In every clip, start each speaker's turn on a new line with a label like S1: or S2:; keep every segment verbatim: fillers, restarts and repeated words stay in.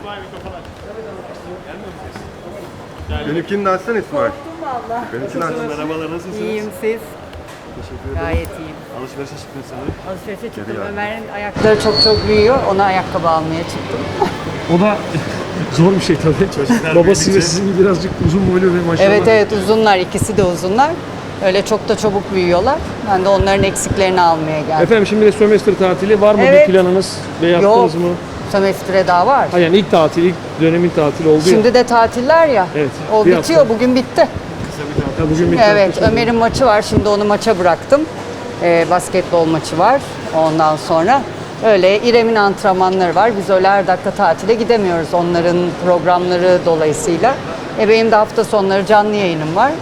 S1: İsmail mikrofon aç. Gelmiyor musunuz? Geldim.
S2: Benimkini de açsana İsmail.
S3: Korktum valla.
S2: Benimkini aç.
S1: Merhabalar, nasılsınız?
S3: İyiyim siz.
S1: Teşekkür ederim.
S3: Gayet iyiyim.
S1: Alışverişe çıktınız sanırım.
S3: Alışverişe çıktım.
S2: Geri geldim.
S3: Ömer'in ayakları çok çok büyüyor. Ona ayakkabı almaya çıktım.
S4: O da zor bir şey tabii.
S1: Çocuklar
S4: Babası ve
S1: büyüdükçe-
S4: sizin gibi birazcık uzun boylu ve maşallah.
S3: Evet evet uzunlar. İkisi de uzunlar. Öyle çok da çabuk büyüyorlar. Ben de onların eksiklerini almaya geldim.
S4: Efendim şimdi de sömestr tatili var mı
S3: Evet.
S4: bir planınız ve
S3: Yok.
S4: yaptınız mı?
S3: Sömestre daha var.
S4: Ha yani ilk tatil, ilk dönemin tatili oldu ya.
S3: Şimdi de tatiller ya.
S4: Evet,
S3: O
S4: bir
S3: bitiyor.
S4: hafta.
S3: Bugün bitti.
S4: Ha, bugün bir
S3: Evet,
S4: tatil.
S3: Ömer'in maçı var. Şimdi onu maça bıraktım. Ee, basketbol maçı var ondan sonra. Öyle İrem'in antrenmanları var. Biz öyle her dakika tatile gidemiyoruz onların programları dolayısıyla. E benim de hafta sonları canlı yayınım var.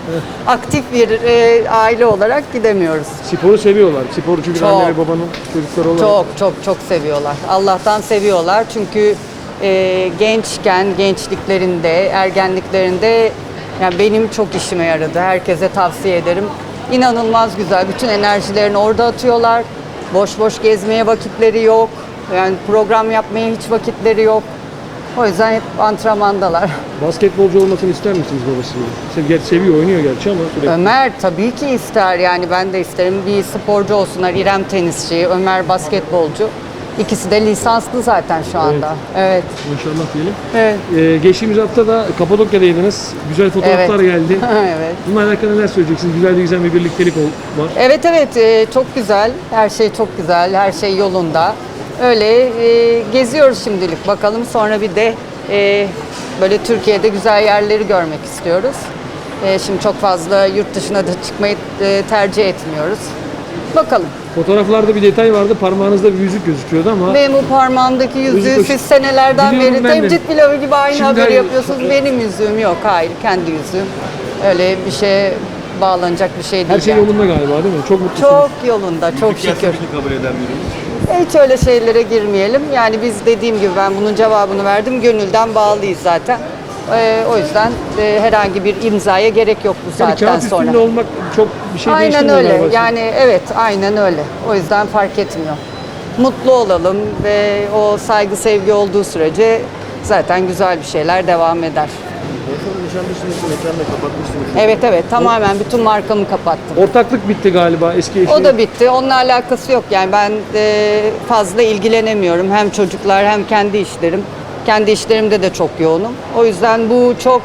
S3: Aktif bir e, aile olarak gidemiyoruz.
S4: Sporu seviyorlar. Sporu çünkü
S3: Çok.
S4: anne ve babanın çocukları olarak.
S3: Çok çok çok seviyorlar. Allah'tan seviyorlar. Çünkü e, gençken, gençliklerinde, ergenliklerinde yani benim çok işime yaradı. Herkese tavsiye ederim. İnanılmaz güzel. Bütün enerjilerini orada atıyorlar. Boş boş gezmeye vakitleri yok. Yani program yapmaya hiç vakitleri yok. O yüzden hep antrenmandalar.
S4: Basketbolcu olmasını ister misiniz babasının? Sev, gerçi seviyor, oynuyor gerçi ama sürekli.
S3: Ömer tabii ki ister, yani ben de isterim. Bir sporcu olsunlar. İrem tenisçi, Ömer basketbolcu. İkisi de lisanslı zaten şu anda. Evet.
S4: Maşallah diyelim.
S3: Evet.
S4: Ee, geçtiğimiz hafta da Kapadokya'daydınız. Güzel fotoğraflar
S3: Evet.
S4: geldi.
S3: Evet.
S4: Bununla alakalı neler söyleyeceksiniz? Güzel bir güzel bir birliktelik ol- var.
S3: Evet evet e, çok güzel. Her şey çok güzel. Her şey yolunda. Öyle e, geziyoruz şimdilik. Bakalım sonra bir de e, böyle Türkiye'de güzel yerleri görmek istiyoruz. E, şimdi çok fazla yurt dışına da çıkmayı e, tercih etmiyoruz. Bakalım.
S4: Fotoğraflarda bir detay vardı. Parmağınızda bir yüzük gözüküyordu ama
S3: Benim bu parmağımdaki yüzüğü
S4: Yüzük-
S3: siz senelerden
S4: Biliyorum
S3: beri
S4: ben de.
S3: temcit pilavı gibi aynı
S4: Şimdi
S3: haberi
S4: hayır.
S3: yapıyorsunuz. Benim yüzüğüm yok. Hayır, kendi yüzüğüm. Öyle bir şeye bağlanacak bir şey değil.
S4: her şey
S3: yani.
S4: yolunda galiba değil mi? Çok mutlusunuz.
S3: Çok yolunda, çok şükür.
S1: kabul eden biri.
S3: Hiç öyle şeylere girmeyelim. Yani biz dediğim gibi ben bunun cevabını verdim. Gönülden bağlıyız zaten. Ee, o yüzden e, herhangi bir imzaya gerek yok bu
S4: Yani
S3: saatten
S4: kağıt
S3: sonra.
S4: üstünde olmak çok bir şey
S3: Aynen
S4: değiştirmiyor
S3: öyle.
S4: galiba.
S3: Yani evet, aynen öyle. O yüzden fark etmiyor. Mutlu olalım ve o saygı sevgi olduğu sürece zaten güzel bir şeyler devam eder.
S1: En son nişanlısınız, mekanla kapatmışsınız.
S3: Evet evet, tamamen bütün markamı kapattım.
S4: Ortaklık bitti galiba eski eşi.
S3: O da bitti. Onunla alakası yok. Yani ben e, fazla ilgilenemiyorum. Hem çocuklar hem kendi işlerim. Kendi işlerimde de çok yoğunum. O yüzden bu çok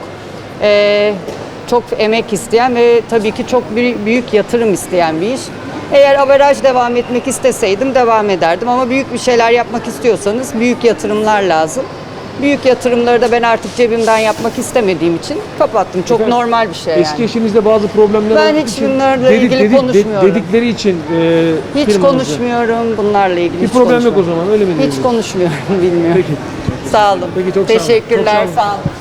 S3: e, çok emek isteyen ve tabii ki çok bir, büyük yatırım isteyen bir iş. Eğer averaj devam etmek isteseydim devam ederdim ama büyük bir şeyler yapmak istiyorsanız büyük yatırımlar lazım. Büyük yatırımları da ben artık cebimden yapmak istemediğim için kapattım. Çok
S4: Efendim,
S3: normal bir şey yani.
S4: Eski eşinizde bazı problemler
S3: Ben
S4: olduğu
S3: hiç
S4: için
S3: bunlarla ilgili konuşmuyorum.
S4: dedikleri için e,
S3: Hiç
S4: firmanızda.
S3: konuşmuyorum bunlarla ilgili.
S4: Bir
S3: hiç
S4: problem yok o
S3: konuşmuyorum.
S4: zaman öyle mi
S3: Hiç
S4: diyorsunuz?
S3: konuşmuyorum, bilmiyorum.
S4: Peki.
S3: Sağ olun.
S4: Peki, çok sağ olun.
S3: Teşekkürler,
S4: Çok sağ olun.
S3: sağ olun.